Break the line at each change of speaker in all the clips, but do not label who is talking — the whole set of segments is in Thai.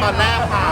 ตอนแรกค่ะ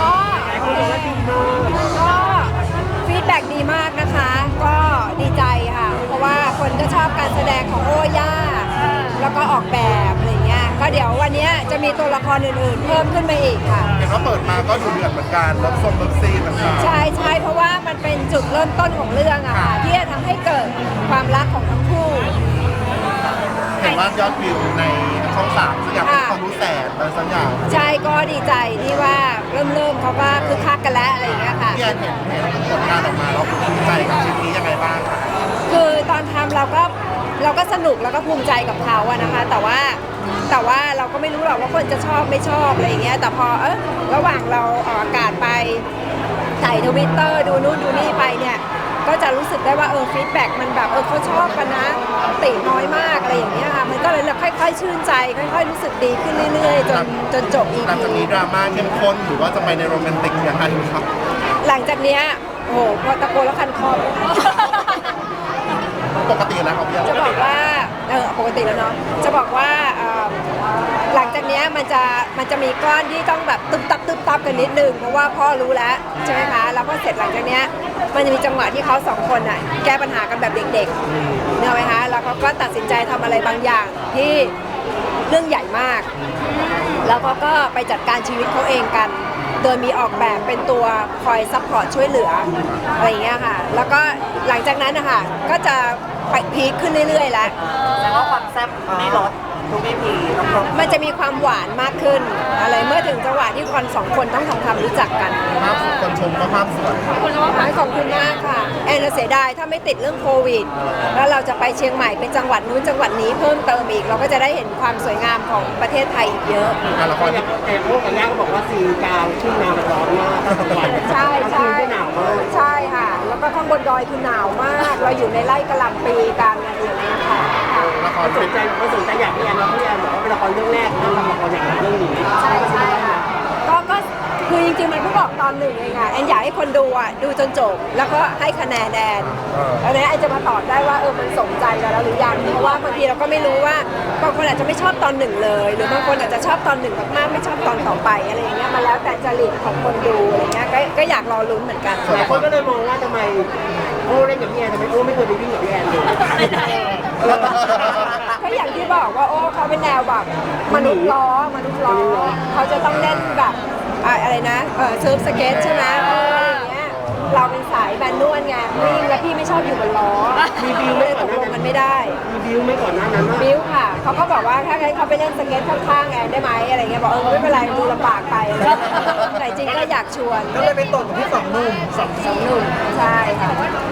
ก็ฟีดแบ็กดีมากนะคะ ก็ดีใจค่ะ เพราะว่าคนก็ชอบการแสดงของโอ้ย่าแล้วก็ออกแบบอะไรเงี้ยก็เดี๋ยววันนี้จะมีตัวละครอื่นๆเพิ่มขึ้นมาอีกค่ะ
เห็นว่าเปิดมาก็ดูเดือดเหมือนกันรถส้มรถซีเหมือนกัน
ใช่ใช่เพราะว่ามันเป็นจุดเริ่มต้นของเรื่องอะค่ะที่จะทำให้เกิดความรักของทั้งคู่
เห็นว่ายอดวิวในช่อง3สักอย่างเป็นความรู้แสนอะไรสักอย่าง
ใช่ก็ดีใจที่ว่าเริ่มเขาก็คึกคักกันแล้วอะไรอย่างเงี้ยค่ะ
พี่แอนเห็นผลงานออกมาแล้วภูมิใจกับชิ้นนี้ยังไงบ้างคะ
คือตอนทำเราก็สนุกแล้วก็ภูมิใจกับเขาอะนะคะ แต่ว่าเราก็ไม่รู้หรอกว่าคนจะชอบไม่ชอบอะไรอย่างเงี้ยแต่พอระหว่างเราออกอากาศไปถ่ายTwitterดูนู่นดูนี่ไปเนี่ยก็จะรู้สึกได้ว่าฟีดแบ็กมันแบบเขาชอบกันนะติน้อยมากอะไรอย่างเงี้ยค่ะมันก็เลยค่อยๆชื่นใจค่อยๆรู้สึกดีขึ้นเรื่อยๆจนจบ EP
หลังจากนี้ดราม่าเข้มข้นหรือว่าจะไปในโรแมนติกยังไงครับ
หลังจากเนี้ยโอ้โหพอตะโกนแล้วคันคอ
ปกติแล้วครับพี่แอน
จะบอกว่าปกติแล้วเนาะจะบอกว่าหลังจากเนี้ยมันจะมีก้อนที่ต้องแบบตึ๊บตับกันนิดนึงเพราะว่าพ่อรู้แล้วใช่ไหมคะแล้วพอเสร็จหลังจากเนี้ยมันจะมีจังหวะที่เขาสองคนน่ะแก้ปัญหากันแบบเด็กๆเนี่ยไหมคะแล้วเขาก็ตัดสินใจทำอะไรบางอย่างที่เรื่องใหญ่มาก แล้วเขาก็ไปจัดการชีวิตเขาเองกัน โดยมีออกแบบเป็นตัวคอยซัพพอร์ตช่วยเหลืออะไรอย่างเงี้ยค่ะ แล้วก็หลังจากนั้นนะคะก็จะไปพีคขึ้นเรื่อยๆแล้ว
แต่ว่าความแซ่บไม่ลดทุกอีพีต้องครบ
มันจะมีความหวานมากขึ้น อะไรเมื่อถึงจังหวะที่คนสองคนต้องทำความรู้จักกัน
ภาพคนชมก็ภาพสวย
ขอบคุณมากค่ะแอนเสียดายถ้าไม่ติดเรื่องโควิด แล้วเราจะไปเชียงใหม่เป็นจังหวัดนู้นจังหวัดนี้เพิ่มเติมอีก เราก็จะได้เห็นความสวยงามของประเทศไทยอีกเยอะ
งานละครที่
แต่พวกกับย่าก็บอกว่าซีนกลางทุ่งนามันร้อนมากทั้งวัน
ใช่
กลางคืนก็หนาวมาก
ใช่ค่ะ แล้วก็ข้างบนดอยคือหนาวมาก เราอยู่ในไร่กะหล่ำปีกันอะไรอย่างเงี้ยค่ะ
ละคร
สนใจอยากพี่แอนพี่แอนบอกว่าเป็นละครเรื่องแรกที่ทำละครอย่างเรื่องนี้
ใช่ค่ะก็คือจริงๆมันเพิ่งออกตอนหนึ่งเองค่ะแอนอยากให้คนดูดูจนจบ แล้วก็ให้คะแนนแอนแล้วนี้แอนจะมาตอบได้ว่ามันสมใจเราแล้วหรือยังเพราะว่าบางทีเราก็ไม่รู้ว่าบางคนอาจจะไม่ชอบตอนหนึ่งเลย หรือบางคนอาจจะชอบตอนหนึ่งมากๆไม่ชอบตอนต่อไปอะไรอย่างเงี้ยมาแล้วแต่จริตของคนดูอะไรเงี้ยก็อยากรอลุ้นเหมือนกัน
หลายคนก็เลยมองว่าทำไมโอ้เล่นกับพี่แอนทำไมโอ้ไม่เคยไปวิ่งกับพี่แอนเลย
ก็อย่างที่บอกว่าโอ้เขาเป็นแนวแบบมนุษย์ล้อเขาจะต้องเล่นแบบอะไรนะเซิร์ฟสเก็ตใช่ไหมอย่างเงี้ยเราเป็นสายแบนนวลไงวิ่งแล้วพี่ไม่ชอบอยู่บนล้อ
มีบิวไหม
เลย
ก่
ต
อน
ก
หน้า
ลง
นั้
มัน นไม่ได้
มีบิวไหมก่อนหน้านั้นว่า
บิ้วค่ะเขาก็บอกว่าถ้าให้เขาไปเล่นสเก็ตข้างๆแอนได้ไหมอะไรเงี้ยบอกไม่เป็นไรดูลำบากไปแต่จริงก็อยากชวน
ก็เลยไปตกกับพี่สองหนุ่ม
สองหนุ่มใช่ค่ะ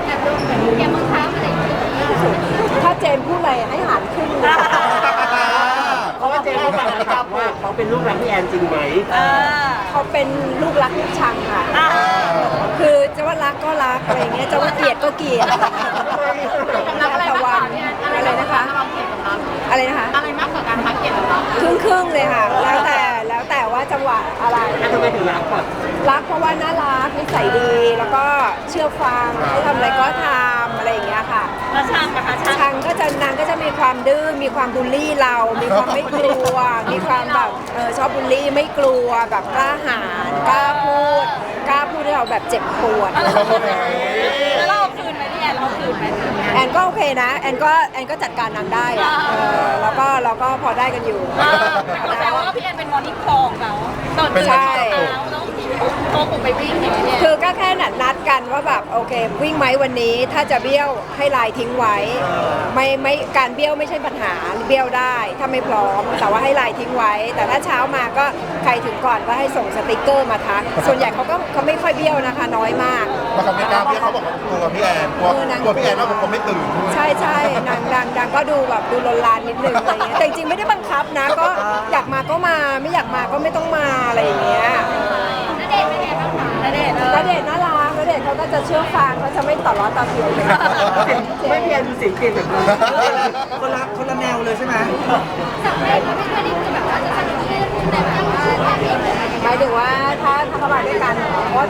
ถ้าเจนพูดอะไรให้หารขึ้น
เพราะว่าเจมส์เขาฝากคำถามว่าเขาเป็นลูกรักพี่แอนจริงไหม
เขาเป็นลูกรักลูกชังค่ะ คือจะว่ารักก็รักอะไรเงี้ยจะว่าเกลียดก็เกลียดแต่วันอะไรนะคะ อะไรนะคะ
อะไรมากกว่าการพักเกียรติเรา
ครึ่งเลยค่ะ แล้วแต่ว่าจังหวะอะไร
แล้วทำไมถึงรักก่อน
รักเพราะว่าน่ารักนิสัยดีแล้วก็เชื่อฟังให้ทำอะไรก็ทำอะไรอย่างเงี้ยค่ะ
แล้วช่างนะคะช่าง
ชังก็จะนางก็จะมีความดื้อมีความบูลลี่เรา มีความไม่กลัว มีความแบบชอบบูลลี่ไม่กลัวแบบกล้าหาญกล้าพูดให้เราแบบเจ็บปวด
แล้วเราเอาคืนไหมพี่แอนเราเอาคืนไหม
แอนก็โอเคนะแอนก็จัดการนางได้อะแล้วก็เราก็พอได้กันอยู่
แต่ว่าพี่แอนเป็นมอร์นิ่งคอลของเราตอนตื่น
ใช่
เช้าต้องโทรกลุ่มไปวิ่งอย่างเงี้ย
คือก็แค่นัดกันว่าแบบโอเควิ่งไหมวันนี้ถ้าจะเบี้ยวให้ไลน์ทิ้งไว้ไม่การเบี้ยวไม่ใช่ปัญหาเบี้ยวได้ถ้าไม่พร้อมแต่ว่าให้ไลน์ทิ้งไว้ แต่ถ้าเช้ามาก็ใครถึงก่อนก็ให้ส่งสติกเกอร์มาทักส่วนใหญ่เขาไม่ค่อยเบี้ยวนะคะน้อยมาก
มาเขาไม่กล้าพี่เขาบอกว่ากลัวพี่แอนกลัวพี่แอนว่าผมไม่ตื่น
ใช่นางก็ดูแบบดูลนลานนิดนึงอะไรเงี้ยแต่จริงๆไม่ได้บังคับนะก็อยากมาก็มาไม่อยากมาก็ไม่ต้องมาอะไรอย่างเงี้ย
ณเดชน์เป็นไงบ้างคะณเดชน์
ณเดชน์น่ารักณเดชน์เขาก็จะเชื่อฟังเขาจะไม่ต่อร้อนต่อเถียงเลย
ไม่พี่แอนดูเสียงเปลี่ยนแบบนั้น
คนละแนวเลยใช่ไหม
จากแรกก็ไม่เคยได้คือแบบว่าจะสนิทกันแต่แบบว่าถ้าเองเลย
หมายถึงว่าถ้าเขามาด้วยกันเหรอเพราะว่าถ้ามาด้วยกัน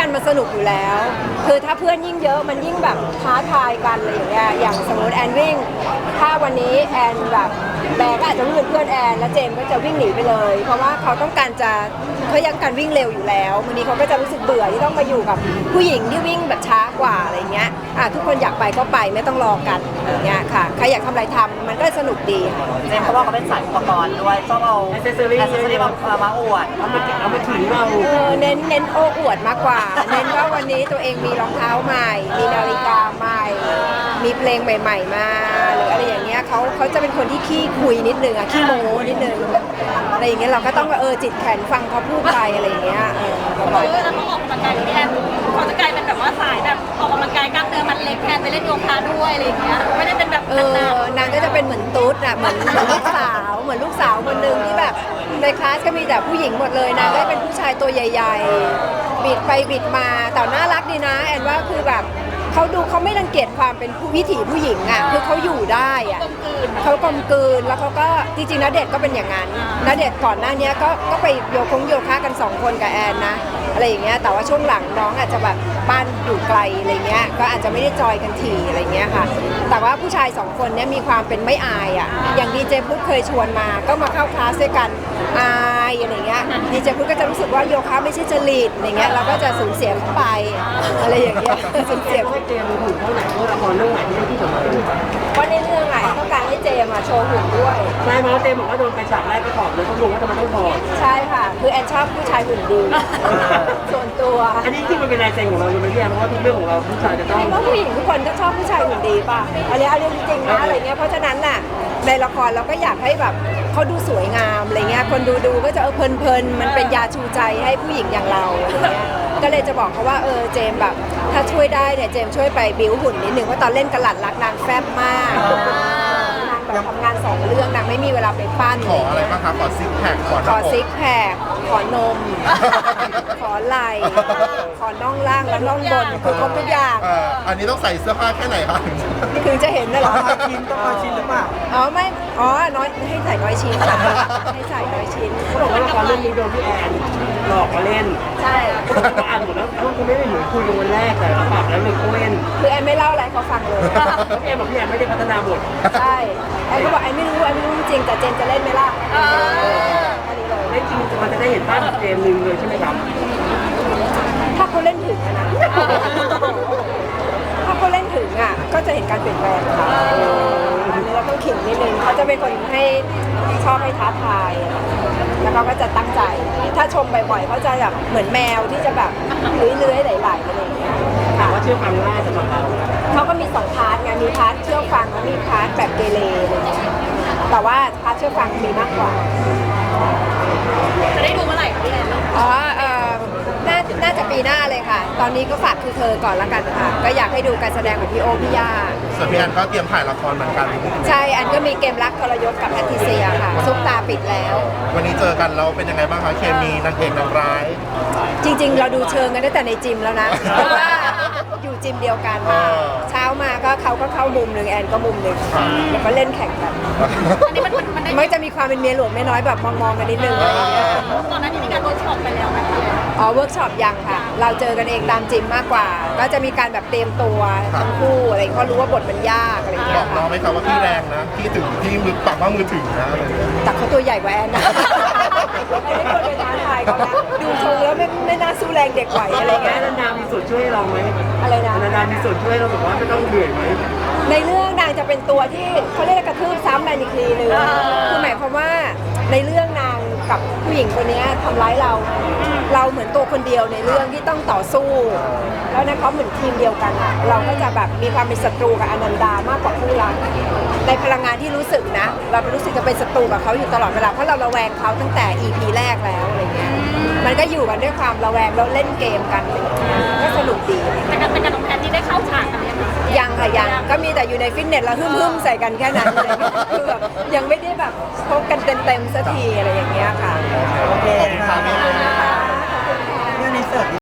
มันสนุกอยู่แล้ว คือถ้าเพื่อนยิ่งเยอะมันยิ่งแบบท้าทายกันอะไรอย่างเงี้ยอย่างสมมติแอนวิ่งถ้าวันนี้แอนแบบแบร์ก็อาจจะวิ่งเป็นเพื่อนแอนแล้วเจมส์ก็จะวิ่งหนีไปเลย เพราะว่าเขาต้องการจะเขายังการวิ่งเร็วอยู่แล้ววันนี้เขาก็จะรู้สึกเบื่อที่ต้องมาอยู่กับผู้หญิงที่วิ่งแบบช้ากว่าอะไรเงี้ยทุกคนอยากไปก็ไปไม่ต้องรอกันอย่างเงี้ยค่ะใครอยากทำอะไรทำมันก็สนุกดีค่ะ
เจมส์เขาบอกเขาเป็นสายอุปกรณ์ด้วยชอบเอาแอคเซสซอรี่มาอวดเอามาถึงเรา
เน้นโอ้อวดมากกว่า เน้นว่าวันนี้ตัวเองมีรองเท้าใหม่ มีนาฬิกาใหม่ มีเพลงใหม่ ๆ มาหรืออะไรอย่างเงี้ยเขาจะเป็นคนที่ขี้คุยนิดนึงขี้โม้นิดนึงอะไรอย่างเงี้ยเราก็ต้องจิตแข็งฟังเขาพูดไปอะไรอย่างเงี้ย
แล้วเขาออกกำลังกายพี่แอนเขาจะกลายเป็นแบบว่าสายแบบออกกำลังกายกล้ามเนื้อมันเล็กแทนไปเล่นโยคะด้วยอะไรอย่างเงี้ยไม่ได้เป็นแบบ
นางก็จะเป็นเหมือนตุ๊ดอ่ะเหมือนลูกสาวคนหนึ่งที่แบบในคลาสก็มีแต่ผู้หญิงหมดเลยนางก็เป็นผู้ชายตัวใหญ่ๆบิดไปบิดมาแต่น่ารักดีนะแอนว่าคือแบบเขาไม่รังเกียจความเป็นวิถีผู้หญิงอ่ะคือเขาอยู่ได้อ่ะเขากลมกลืนแล้วเขาก็จริงๆณเดชน์ก็เป็นอย่างนั้นณเดชน์ก่อนหน้านี้ก็ไปโยคะกัน2คนกับแอนนะอะไรอย่างเงี้ยแต่ว่าช่วงหลังน้องอาจจะแบบบ้านอยู่ไกลอะไรเงี้ยก็อาจจะไม่ได้จอยกันทีอะไรเงี้ยค่ะแต่ว่าผู้ชาย2คนเนี้ยมีความเป็นไม่อายอ่ะอย่างดีเจพุทธเคยชวนมาก็มาเข้าคลาสด้วยกันอายอะไรเงี้ยดีเจพุทธก็จะรู้สึกว่าโยคะไม่ใช่จริตอะไรเงี้ยเราก็จะสูญเสียเข้าไปอะไรอย่างเงี้ยสูญเสีย
เจมส์หุ่นเท่าไหร่เมื่อละครเรื่องไหนที่สำคัญ
ว่าในเรื่องไหนต้องการให้เจมโชว์หุ่นด้วย
ใช่ไหมเจมบอกว่าโดนไปฉากแรกไปถอดเลยเขาบอกว่าทำไมต้องถอด
ใช่ค่ะคือแอนชอบผู้ชายหุ่นดีส่วนตัว
อันนี้ที่มันเป็นลายเซ็นของเราเลยไม่ใช่เพราะว่าทุกเรื่องของเราผู้ชายจะต้อง
เพราะผู้หญิงทุกคนก็ชอบผู้ชายหุ่นดีป่ะอันนี้จริงๆนะอะไรเงี้ยเพราะฉะนั้นน่ะในละครเราก็อยากให้แบบเขาดูสวยงามอะไรเงี้ยคนดูก็จะเพลินๆมันเป็นยาชูใจให้ผู้หญิงอย่างเราอะไรเงี้ยก็เลยจะบอกเขาว่าเจมแบบถ้าช่วยได้เนี่ยเจมช่วยไปบิ้วหุ่นนิดนึงเพราะตอนเล่นกระหลัดรักนางแฟบมากนางแบบทำงาน2เรื่องนางไม่มีเวลาไปปั้น
ขออะไรบ้างคะขอซิกแพค
ขอซิกแพคขอนมขอไหล่ขอน่องล่างและน่องบนคือครบทุกอย่าง
อันนี้ต้องใส่เสื้อผ้าแค่ไหนคะ
ถึงจะเห็นนะหรอ
ชิ้นต้องชิ้นหรือเปล่า
ไม่น้อยให้ใส่น้อยชิ้นค่ะให้ใส่น้อยชิ้น
เขาบอกว่าละครเรื่องนี้โดนพี่แอนหลอกมาเล่น
ใช่
เขาอ่านหมดแล้วเขาไม่ได้เหมือนคุยกันวันแรกแต่เขาปรับแล้วเลยเขาเล่น
คือแอนไม่เล่าอะไรเขาฟังเลย
แอนบอกพี่แอนไม่ได้พัฒนาบท
ใช่แอนก็บอกแอนไม่รู้จริงแต่เจนจะเล่นไหมล่ะ
เล่นจริงมันจะได้เห็นภาพเกมหนึ่งเลยใช่ไหมครับ
ถ้าเขาเล่นถึงนะถ้าเขาเล่นถึงก็จะเห็นการเปลี่ยนแปลงค่ะอันนี้เราต้องขิงนิดนึงเขาจะเป็นคนให้ชอบให้ท้าทายแล้วเขาก็จะตั้งใจถ้าชมบ่อยๆเขาจะแบบเหมือนแมวที่จะแบบเลื้อยๆไหลๆอะไรอย่างเงี้ย
ค่ะว่าเชื่อฟังง่ายสำหรับเรา
เขาก็มี2พาร์ทไงมีพาร์ทเชื่อฟังและมีพาร์ทแบบเกเรแต่ว่าพาร์ทเชื่อฟังมีมากกว่า
จะได้ดูเมื่อไหร่คะพี่แอน
น่าจะปีหน้าเลยค่ะตอนนี้ก็ฝากคือเธอก่อนละกันค่ะก็อยากให้ดูการแสดงของพี่โอพี่ย่า
ส่วนพี่แอนก็เตรียมถ่ายละครเหมือนกัน
ใช่อันก็มีเกมรักทรยศกับแพทริเซียค่ะซุปตาปิดแล้ว
วันนี้เจอกันเราเป็นยังไงบ้างคะเคมีนางเอกนางร้าย
จริงๆเราดูเชิงกันตั้งแต่ในจิมแล้วนะเพราะว่าอยู่จิมเดียวกันเช้ามาก็เขาก็เข้ามุมหนึ่งแอนก็มุมหนึ่งแล้วก็เล่นแข่งกัน
อันนี้
มันจะมีความเป็นเมียหลวงไม่น้อยแบบมองกันนิดนึง
ตอนนั้นที่มีการเวิร์กช็อปไปแล้วนะ
เวิร์กช็อปยังค่ะเราเจอกันเองตามจิมมากกว่าก็จะมีการแบบเตรียมตัวทั้งคู่อะไรเขารู้ว่าบทมันยากอะไรอย่างเงี้
ยบอกน้องไหมครับว่าพี่แรงนะพี่ถึงพี่มือปักว่ามือถึงนะ
แต่เขาตัวใหญ่กว่าแอนนะไม่ควรไปท้าทายเขานะดูทรงแล้วไม่น่าสู้แรงเด็กไหวอะไรเงี้ย
นันดามีส่วนช่วยเราไหม
อะไรนะ
นันดามีส่วนช่วยเราแบบว่าไม่ต้องเหนื่อยไหม
ในเรื่องนางจะเป็นตัวที่เขาเรียกกระทืบซ้ำในอีกทีนึงคือหมายความว่าในเรื่องนางกับผู้หญิงคนนี้ทำร้ายเราเหมือนตัวคนเดียวในเรื่องที่ต้องต่อสู้แล้วนะเขาเหมือนทีมเดียวกันอะเราก็จะแบบมีความเป็นศัตรูกับอนันดามากกว่าคู่รักในพลังงานที่รู้สึกนะเรารู้สึกจะเป็นศัตรูกับเขาอยู่ตลอดเวลาเพราะเราระแวงเขาตั้งแต่ EP แรกแล้วอะไรเงี้ยมันก็อยู่กันด้วยความระแวงแล้วเล่นเกมกันก็สนุกดี
แต่กับน้องแพทที่ได้เข้าฉากกัน
ยังค่ะยังก็มีแต่อยู่ในฟิตเนสแล้วหึ่มๆใส่กันแค่นั้นคือแบบยังไม่ได้แบบพบกันเต็มๆสักทีอะไรอย่างเงี้ยค่ะ
โอเคค่ะ